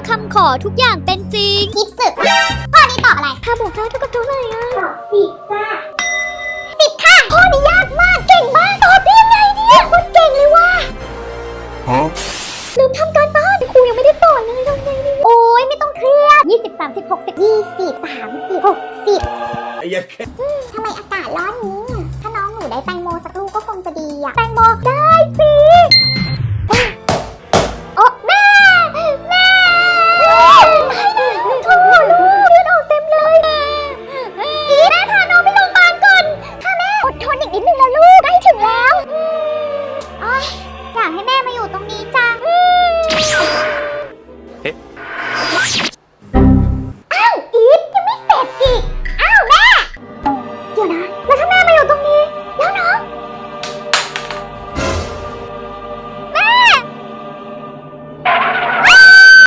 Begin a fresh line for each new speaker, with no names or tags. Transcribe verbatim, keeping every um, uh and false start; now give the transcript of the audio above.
คำขอทุกอย่างเป็นจริง
คิดสึกข้อนี้ตอบอะไร
ถ้าบวกได้เท่ากับเท่าไหร่อะ
ตอบสิบจ้าสิบค่ะข้อนี้ยากมากเก่งมากตอบได้ยังไงเนี่ยคนเก่งเลยว่ะ
Huh?
ลืมทำการบ้านครูยังไม่ได้สอนเลยทำไงดี
โอ้ยไม่ต้องเครียดยี่สิบสามสิบหกสิบยี่สิบสามสิบหกสิบทำไมอากาศร้อนนี้ ถ้าน้องหนูได้แตงโมสักลูกก็คงจะดีอะแตงโมได้สิโอ้แม่แม่ไม่ได้โทษเลือดออกเต็มเลยอีแม่พาน้องไปโรงพยาบาลก่อนถ้าแม่อดทนอีกนิดนึงนะลูกใกล้ถึงแล้วอ๋ออยากให้แม่มาอยู่ตรงนี้จัง